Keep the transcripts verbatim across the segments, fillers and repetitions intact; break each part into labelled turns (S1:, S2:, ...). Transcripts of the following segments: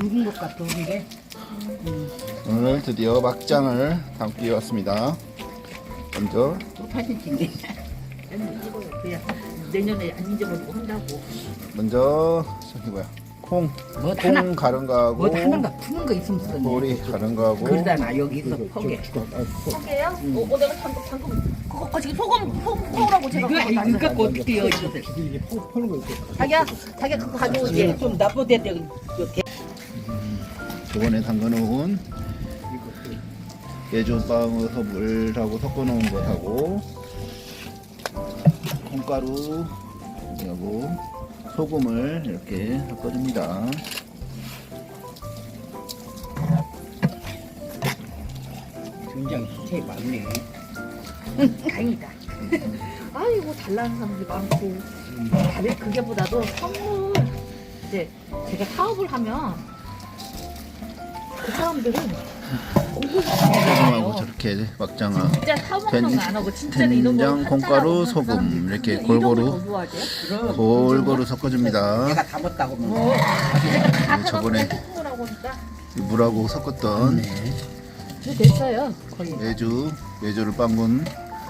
S1: 묽은 것 같아 이게. 음.
S2: 오늘 드디어 막장을 담기 왔습니다. 먼저
S1: 또 사진 찍네. 그냥 내년에 안 잊어버리고 한다고.
S2: 먼저 저기 뭐야 콩,
S1: 뭐
S2: 콩
S1: 하나-
S2: 가른 거하고
S1: 뭐 하는 거 푸는 거 있으면 쓰겠네.
S2: 보리 가른 거하고
S1: 그러잖아 여기서 포개.
S3: 포개요? 어, 어, 내가 방금 방금 그거 거 지금 소금 소금 포라고 제가
S1: 이거
S3: 그거
S1: 이거
S3: 다
S1: 갖고 어떻게 여 이거.
S4: 이게 퍼는 거 있어.
S3: 자기야 자기야 그거 가져오지.
S1: 얘는 좀 나쁘대.
S2: 저번에 담가놓은 예조빵에서 물하고 섞어놓은 것하고 콩가루 하고 소금을 이렇게 섞어줍니다.
S1: 굉장히 수채 많네.
S3: 다행이다. 아이고 잘 나는 사람들이 많고. 다들 그게보다도 선물 이제 제가 사업을 하면 그 사람들은
S2: 소금하고 저렇게 막장아
S3: 진짜 사업하는
S2: 된-
S3: 거안 하고 진짜로 이런 거
S2: 된장, 콩가루, 소금 이렇게 골고루
S1: 그럼
S2: 골고루 섞어줍니다.
S1: 내가 다 먹다고 그러면.
S3: 어, 다
S2: 네, 저번에
S3: 사갖고 하니까
S2: 물하고 섞었던
S3: 이제 됐어요 거의.
S2: 메주, 메주를 빵군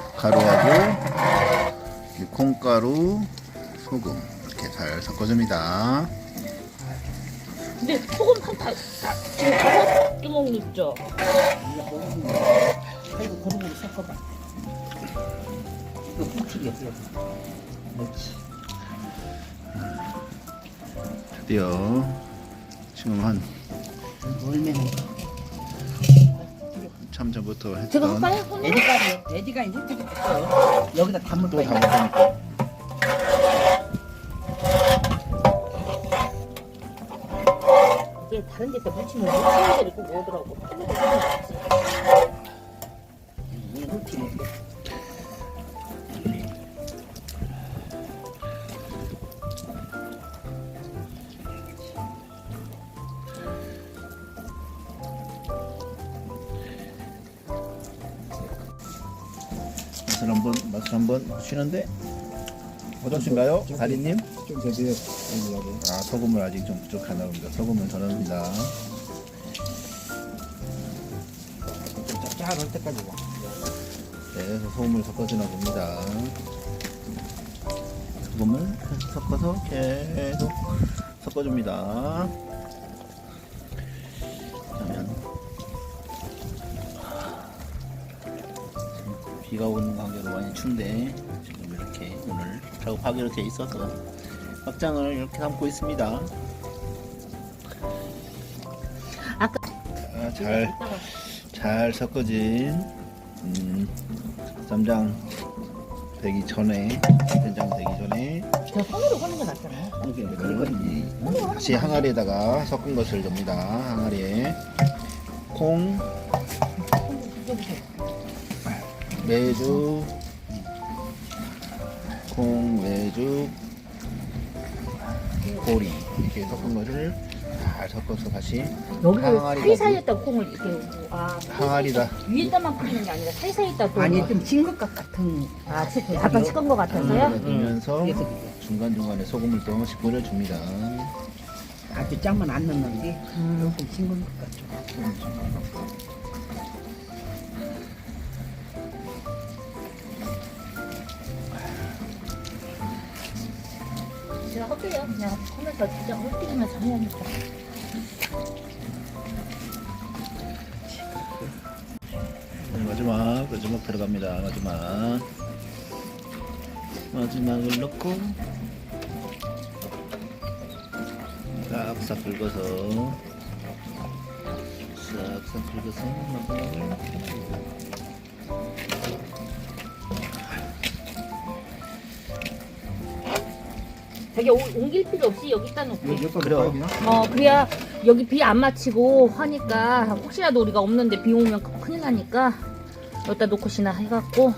S2: 가루하고 이 콩가루, 소금 이렇게 잘 섞어줍니다.
S3: 근데 소금 한다 다 지금 다섯 주먹 넣죠.
S1: 아이고 고루고루 섞어봐. 이거 꿀팁이야. 그렇지.
S2: 드디어 지금 한
S1: 얼마나
S2: 참 전부터
S3: 제가
S2: 했던
S3: 할까요? 손으로?
S1: 애디가 애디가 꿀팁이 있어. 여기다 담을
S2: 또
S1: 거야.
S2: 담아보니까
S3: 이게 다른 데서 묻히면 묻히는 데를 꼭 오더라고.
S1: 이 꿀팁이 있어.
S2: 맛을 한번 맛을 한번 쉬는데 어떠신가요, 다리님?
S4: 좀 되세요. 여기.
S2: 아 소금을 아직 좀 부족하나 봅니다. 소금을 더 넣습니다.
S1: 짭짤할 때까지 와.
S2: 네, 그래서 소금을 섞어주나 봅니다. 소금을 계속 섞어서 계속 섞어줍니다. 그러면 지금 비가 오는 관계로 많이 춥데 지금 이렇게 오늘 작업하기로 돼 있어서 막장을 이렇게 담고 있습니다.
S3: 아까
S2: 아, 잘, 잘 섞어진 음, 쌈장 되기 전에 된장 되기 전에
S3: 저 손으로 하는 게 낫잖아요.
S2: 이걸 이- 다시 항아리에다가 섞은 것을 넣습니다. 항아리에 콩, 매주, 콩, 매주, 보리 이렇게 섞은 것을 잘 섞어서 다시
S3: 여기를
S2: 항아리가
S3: 사이사이에다 콩을 이렇게 아
S2: 항아리다
S3: 위에다만 뿌리는 게 아니라 사이사이에다 또
S1: 아니 좀 싱글 것 같은.
S3: 아, 치- 약간 식은 것 같아서요.
S2: 넣으면서
S1: 그래서 그게.
S2: 중간중간에 소금을 조금씩 뿌려줍니다.
S1: 아주 짬은 안 넣는데 조금 싱글 것 같죠.
S3: 제가 할게요. 그냥 하면서 진짜 홀끼리면서 해야니까.
S2: 네, 마지막 마지막 들어갑니다. 마지막 마지막을 넣고 싹싹 긁어서 싹싹 긁어서 마지막을
S3: 되게 오- 옮길 필요 없이 여기다 놓고.
S4: 여기 여기다
S2: 그래요.
S4: 놓을까요, 그냥?
S3: 어 그래야 여기 비 안 맞히고 하니까 혹시라도 우리가 없는데 비 오면 큰일 나니까 여기다 놓고시나 해갖고.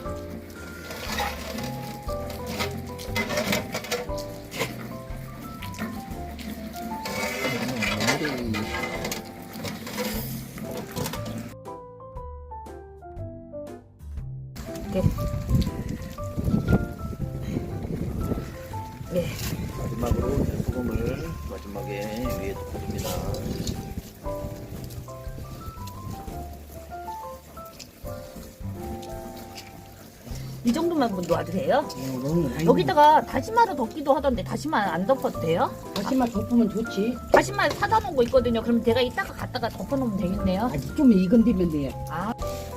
S3: 이렇게. 네.
S2: 마지막으로 소금을 마지막에 위에 덮어줍니다.
S3: 이 정도만 놓아도 돼요?
S5: 어, 너무 많이.
S3: 여기다가 다시마를 덮기도 하던데 다시마 안 덮어도 돼요?
S5: 다시마 덮으면 좋지.
S3: 다시마 사다 놓은 거 있거든요. 그럼 제가 이따가 갖다가 덮어놓으면 되겠네요.
S5: 아직 좀 익은 뒤면 돼.
S3: 아,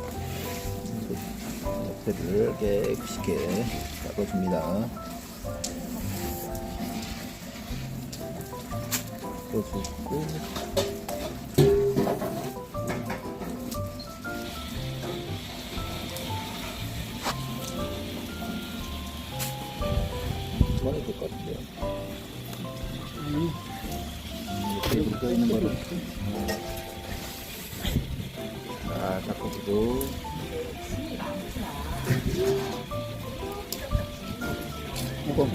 S2: 옆에를 깨끗이 닦아줍니다. 닦아주고 그만해도 될 것 같아요.
S5: 아니,
S2: 이렇게 묻어 있는 거를 자 닦아주고 이거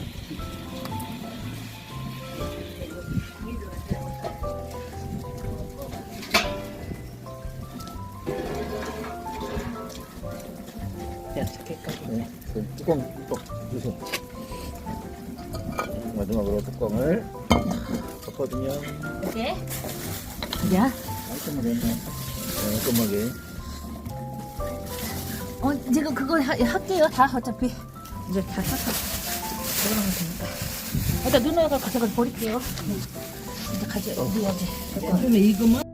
S2: 네, 그 뚜껑 또 주세요. 마지막으로 뚜껑을 덮어주면
S3: 이렇게. 야,
S2: 깔끔하게 네, 깔끔하게
S3: 어, 제가 그거 하, 할게요. 다 어차피 이제 다 샀어. 그러면 되니까. 일단 누나가 가져가 버릴게요. 이제 가져, 어디 어디.
S5: 좀 익으면